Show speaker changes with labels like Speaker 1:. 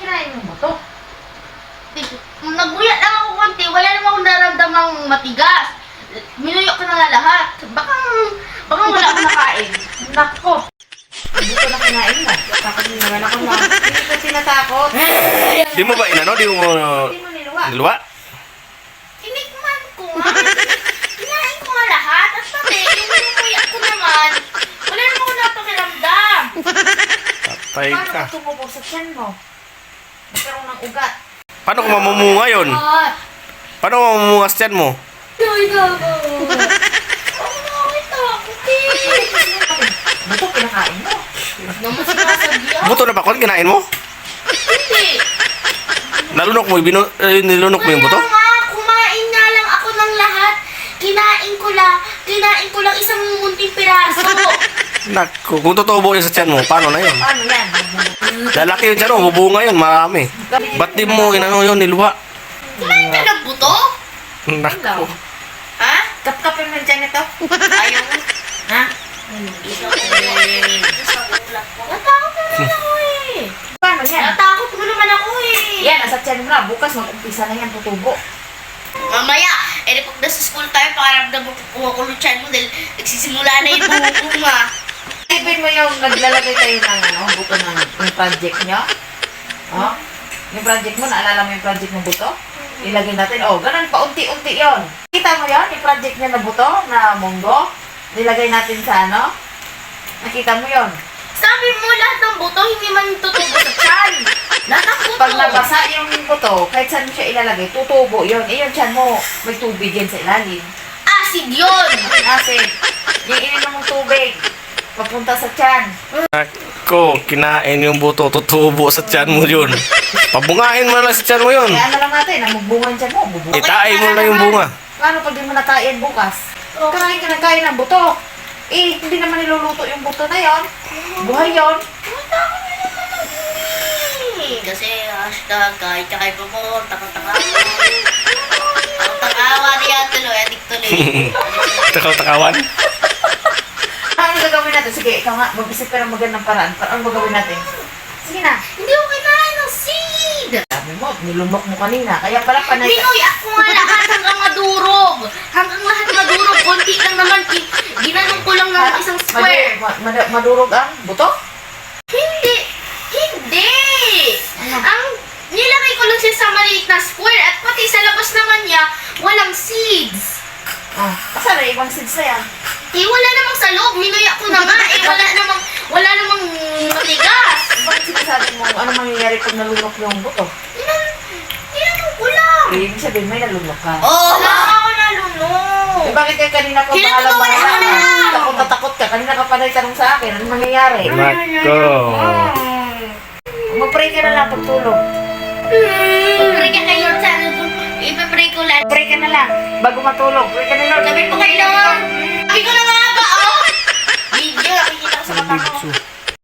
Speaker 1: kinain mo ba to?
Speaker 2: Nagbuya lang ako konti, wala naman akong nararamdamang matigas. Minuyok ko na nga lahat. Baka wala akong nakain.
Speaker 1: Nako! Hindi ko na kinain mo. Takot din naman ako na. Hindi ko tinatakot.
Speaker 3: Di mo ba inano? Di mo
Speaker 1: Hindi mo niluwa.
Speaker 3: niluwa?
Speaker 2: Tinikman ko nga. Kinain ko nga lahat. At pati, yung minuyak ko naman, wala naman ako napakiramdam.
Speaker 3: Patay
Speaker 1: Paano
Speaker 3: ka.
Speaker 1: ka tumubog sa tiyan mo? Nagkaroon ng ugat.
Speaker 3: Paano kung mamumunga yun? Paano kung mamumunga sa tiyan mo?
Speaker 2: Ay, gago. Ang nakakita ko,
Speaker 1: Bato, kinakain mo.
Speaker 2: naman sinasadya.
Speaker 3: Buto na ba kon kinain mo?
Speaker 2: Hindi.
Speaker 3: Nalunok mo, nilunok mo yung buto?
Speaker 2: Kaya nga, kumain nga lang ako ng lahat. Kinain ko lang isang munting piraso.
Speaker 3: Naku, kung tutubo yun sa tiyan mo, paano na yun?
Speaker 1: Paano yan?
Speaker 3: Lalaki yun tiyan mo, bubunga yun, marami. Ba't di mo inano yun, niluwa?
Speaker 2: Kumain ka ng buto?
Speaker 3: Naku.
Speaker 2: Ha?
Speaker 1: Kapkapin mo dyan ito.
Speaker 2: Ayaw mo.
Speaker 1: Ha?
Speaker 2: Natakot naman ako eh.
Speaker 1: Paano yan?
Speaker 2: Natakot mo naman ako eh.
Speaker 1: Yan, nasa tiyan mo na. Bukas mag-umpisa na yan, tutubo.
Speaker 2: Mamaya, pag nasa school tayo, pakaramdam mo kumakulutsan mo dahil nagsisimula na yung bunga.
Speaker 1: Ibig mo yung naglalagay tayo ng buto ng yung project nyo? Oh? Yung project mo, naalala mo yung project ng buto? Ilagay natin, ganun, paunti-unti yon. Kita mo yon yung project niya na buto, na munggo? Nilagay natin sa Nakita mo yon.
Speaker 2: Sabi mo lahat ng buto, hindi man tutubo sa tiyan. Lahat ng buto.
Speaker 1: Pag nabasa yung buto, kahit saan mo siya ilalagay, tutubo yon. Yung tiyan mo, may tubig yan sa ilalim.
Speaker 2: Acid yun.
Speaker 1: Acid. Yung ininom mong tubig, papunta sa tiyan.
Speaker 3: Naku, kinain yung buto, tutubo sa tiyan mo yun. Pabungahin mo lang sa tiyan mo yun.
Speaker 1: Kaya lang natin, ang magbungan tiyan mo, bubuhay.
Speaker 3: Itain mo lang yung bunga.
Speaker 1: Paano pag di mo nakain bukas? Kakain ka ng kain ng buto. Hindi naman niluluto yung buto na yon. Buhay yon.
Speaker 2: Kasi hashtag kahit kay Pamor, takot-takawa. Takot-takawa niya tuloy, adik tuloy.
Speaker 3: Takaw-takawan.
Speaker 1: Ano gagawin natin? Sige, ikaw nga, mag-isip ka ng magandang paraan. Ano gagawin natin? Sige na.
Speaker 2: Hindi ko kinain ng seed.
Speaker 1: Sabi mo, nilumok mo kanina. Kaya pala panay...
Speaker 2: Minuyak ko nga lahat hanggang madurog. Hanggang lahat madurog, konti lang naman. Ginanong ko lang ng isang square.
Speaker 1: Madurog ang buto?
Speaker 2: Hindi. Ang nilagay ko lang siya sa maliit na square at pati sa labas naman niya, walang seeds.
Speaker 1: Saan na ibang seeds na yan?
Speaker 2: Wala namang sa loob. Minuyak ko na nga. Wala namang matigas.
Speaker 1: Bakit sinasabi mo ano mangyayari pag nalunok yung buto?
Speaker 2: Tinanong ko lang.
Speaker 1: Ibig sabihin may nalunok ka.
Speaker 2: Wala ako nalunok.
Speaker 1: Bakit ka kanina pa
Speaker 2: Hinatutuwa
Speaker 1: bahala
Speaker 2: na lang.
Speaker 1: Takot na takot ka. Kanina ka pa nagtanong sa akin. Ano mangyayari?
Speaker 3: Naku.
Speaker 1: Mag-pray ka na lang pagtulog.
Speaker 2: Pray ka kay Lord sana. Ipapray ko lang.
Speaker 1: Pray ka na lang. Bago matulog. Pray ka na lang.
Speaker 2: Sabi ko kay Lord. Sabi ko na nga ba, Video, nakikita ko sa mata ko.
Speaker 3: Bigso.